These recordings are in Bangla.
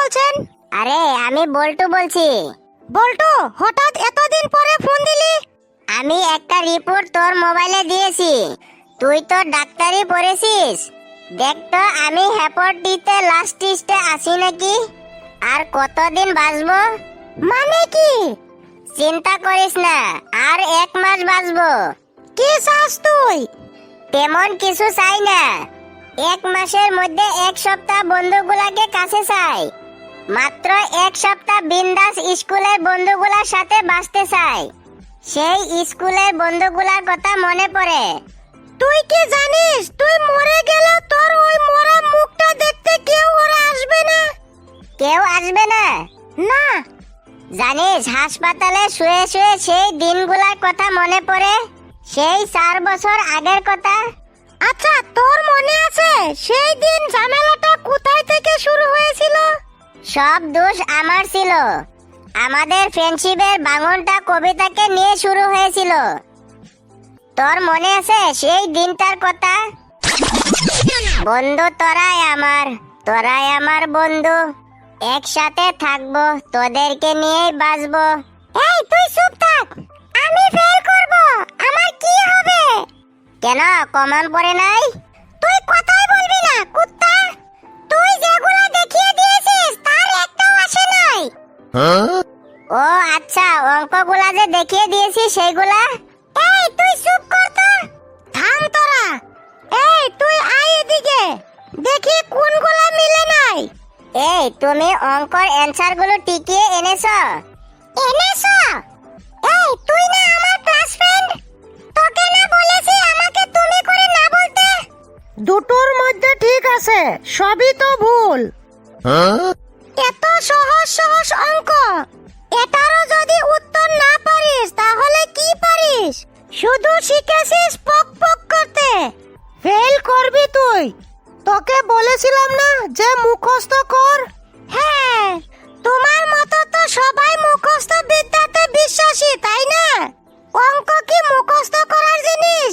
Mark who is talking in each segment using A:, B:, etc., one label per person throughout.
A: বলছেন?
B: আরে আমি বল্টু বলছি।
A: বল্টু, হঠাৎ এতদিন পরে ফোন দিলি?
B: আমি একটা রিপোর্ট তোর মোবাইলে দিয়েছি, তুই তো ডাক্তারি পড়েছিস। দেখ তো আমি হেপাটাইটিসে লাস্ট স্টেজে আছি নাকি, আর কতদিন বাঁচবো।
A: মানে কি?
B: চিন্তা করিস না, আর 1 মাস বাঁচবো।
A: কি চাস তুই?
B: তেমন কিছু চাই না, 1 মাসের মধ্যে 1 সপ্তাহ বন্ধুগুলাকে কাছে চাই। মাত্র 1 সপ্তাহ বিন্দাস স্কুলের বন্ধুগুলার সাথে বাঁচতে চাই। সেই স্কুলের বন্ধুগুলার কথা মনে পড়ে।
A: তুই কি জানিস তুই মরে গেলে তোর ওই মরা মুখটা দেখতে কেউ ওরা আসবে না?
B: কেউ আসবে না?
A: না।
B: জানিস হাসপাতালে শুয়ে শুয়ে সেই দিনগুলার কথা মনে পড়ে, সেই 4 বছর আগের কথা।
A: আচ্ছা, তোর মনে আছে সেই দিন ঝামেলাটা কোথায় থেকে শুরু হয়েছিল?
B: সব দোষ আমার ছিল। আমাদের ফ্রেন্ডশিপের ভাঙনটা কবিতাকে নিয়ে শুরু হয়েছিল। তোর মনে আছে সেই দিনটার কথা? বন্ধু তোরাই আমার বন্ধু, একসাথে থাকবো, তোদেরকে নিয়েই বাঁচবো।
A: এই তুই চুপ থাক, আমি ফেল করব, আমার কি হবে?
B: কেন, কমন পড়ে নাই?
A: তুই কথাই বলবি না কুত্তা। তুই যেগুলো দেখিয়ে দিয়েছিস তার একটাও আসে নাই।
B: ও আচ্ছা, অঙ্কগুলা যে দেখিয়ে দিয়েছি সেইগুলা।
A: এই তুই চুপ কর তো। থাম তোরা। এই তুই আয় এদিকে, দেখি কোনগুলা মিলে নাই।
B: এই তুমি অঙ্কর অ্যানসার গুলো টিকিয়ে এনেছো?
A: এই তুই না আমার ক্লাস ফ্রেন্ড, তোকে না বলেছি আমাকে তুমি করে না বলতে? দুটোর মধ্যে ঠিক আছে, সবই তো ভুল। এত সহজ সহজ অঙ্ক, এটারও যদি উত্তর না পারিস তাহলে কি পারিস? শুধু শিখেছিস পক পক করতে। ফেল করবি তুই। তোকে বলেছিলাম না যে মুখস্থ কর। হ্যাঁ, তোমার মতো তো সবাই মুখস্থ বিদ্যাতে বিশ্বাসী, তাই না? অঙ্ক কি মুখস্থ করার জিনিস?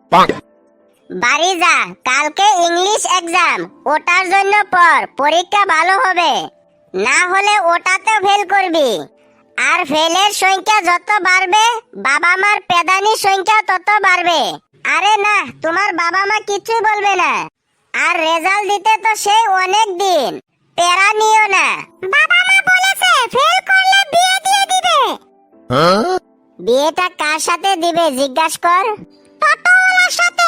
B: বাড়ি যা, কালকে ইংলিশ এক্সাম, ওটার জন্য পড়, পরীক্ষা ভালো হবে। না হলে ওটাতে ফেল করবি। আর ফেলের সংখ্যা যত বাড়বে, বাবা মার পেদানির সংখ্যা তত বাড়বে। আরে না, তোমার বাবা মা কিছুই বলবে না। আর রেজাল্ট দিতে তো সেই অনেক দিন, প্যারা নিও না।
A: বাবা মা বলেছে ফেল করলে বিয়ে দিয়ে দিবে।
B: বিয়েটা কার সাথে দিবে জিজ্ঞাসা কর।
A: টোটোওয়ালার সাথে।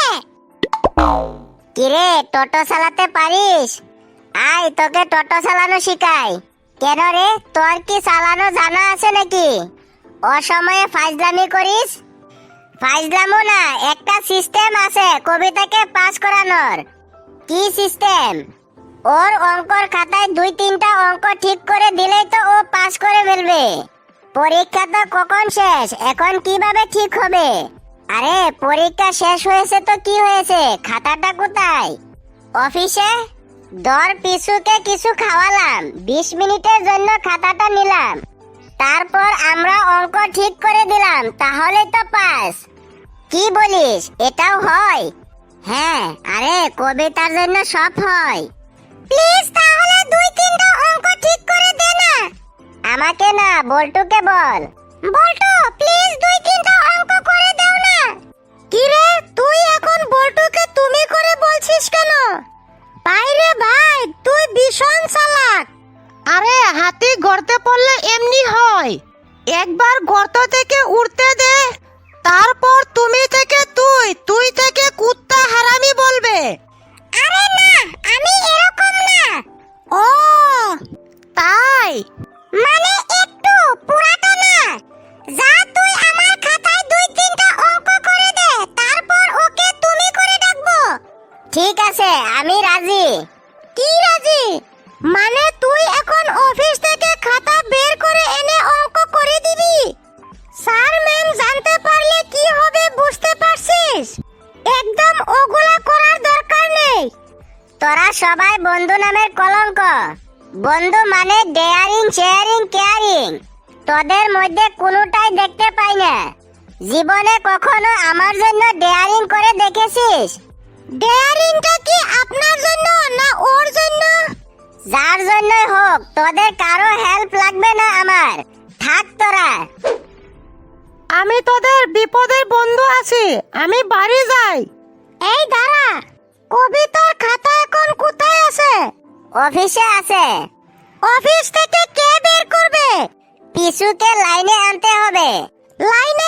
B: কিরে, টোটো চালাতে পারিস? আয় তোকে টোটো চালানো শিখাই। কেন রে, তোর কি চালানো জানা আছে নাকি? অসময়ে ফাইজলামি করিস? ফাইজলামো না, একটা সিস্টেম আছে কবিতাকে পাস করানোর। কি সিস্টেম? ওর অঙ্কর খাতায় 2-3টা অঙ্ক ঠিক করে দিলেই তো ও পাস করে ফেলবে। পরীক্ষা তো কখন শেষ, এখন কিভাবে ঠিক হবে? আরে পরীক্ষা শেষ হয়েছে তো কি হয়েছে, খাতাটা কোথায়? অফিসে। দর পিছুকে কিছু খাওয়ালাম, 20 মিনিটের জন্য খাতাটা নিলাম, তারপর আমরা অঙ্ক ঠিক করে দিলাম, তাহলে তো পাস। কি বলিস, এটাও হয়? হ্যাঁ, আরে কবিতার জন্য সব হয়।
A: প্লিজ তাহলে 2-3টা অঙ্ক ঠিক করে দে না।
B: আমাকে না, বল্টুকে বল।
A: বল্টু, প্লিজ 2-3টা অঙ্ক করে দাও না। কি রে, তুই এখন বল্টুকে তুমি করে বলছিস কেন? বাইরে ভাই, তুই ভীষণ চালাক। আরে হাতি গর্তে পড়লে এমনি হয়। একবার গর্ত থেকে উঠতে দে, তারপর তুমি থেকে তুই, তুই থেকে কুত্তা হারামি বলবে। আরে না, আমি এরকম না। ও তাই, মানে একটু, পুরাটা না। যা তুই আমার খাতায় 2-3টা অঙ্ক করে দে, তারপর ওকে তুমি করে ডাকবো।
B: ঠিক আছে, আমি রাজি।
A: কি রাজি? মানে তুই এখন অফিস থেকে খাতা বের করে এনে অঙ্ক করে দিবি? স্যার ম্যাম জানতে পারলে কি হবে বুঝতে পারছিস? একদম ওগুলা করার দরকার নেই।
B: তোরা সবাই বন্ধু নামের কলঙ্ক। বন্ধু মানে ডেয়ারিং, শেয়ারিং, কেয়ারিং। তোদের মধ্যে কোনোটাই দেখতে পাই না। জীবনে কখনো আমার জন্য ডেয়ারিং করে দেখেছিস?
A: ডেয়ারিংটা কি আপনার জন্য না ওর জন্য?
B: যার জন্যই হোক, হোক, তোদের কারো হেল্প লাগবে না আমার। থাক তোরা।
C: আমি তোদের বিপদের বন্ধু আছি, আমি বাড়ি যাই।
A: এই দাঁড়া, কবিতার খাতা এখন কোথায় আছে?
B: অফিসে আছে।
A: অফিস থেকে কে বের করবে?
B: পিছুকে লাইনে আনতে হবে।
A: লাইনে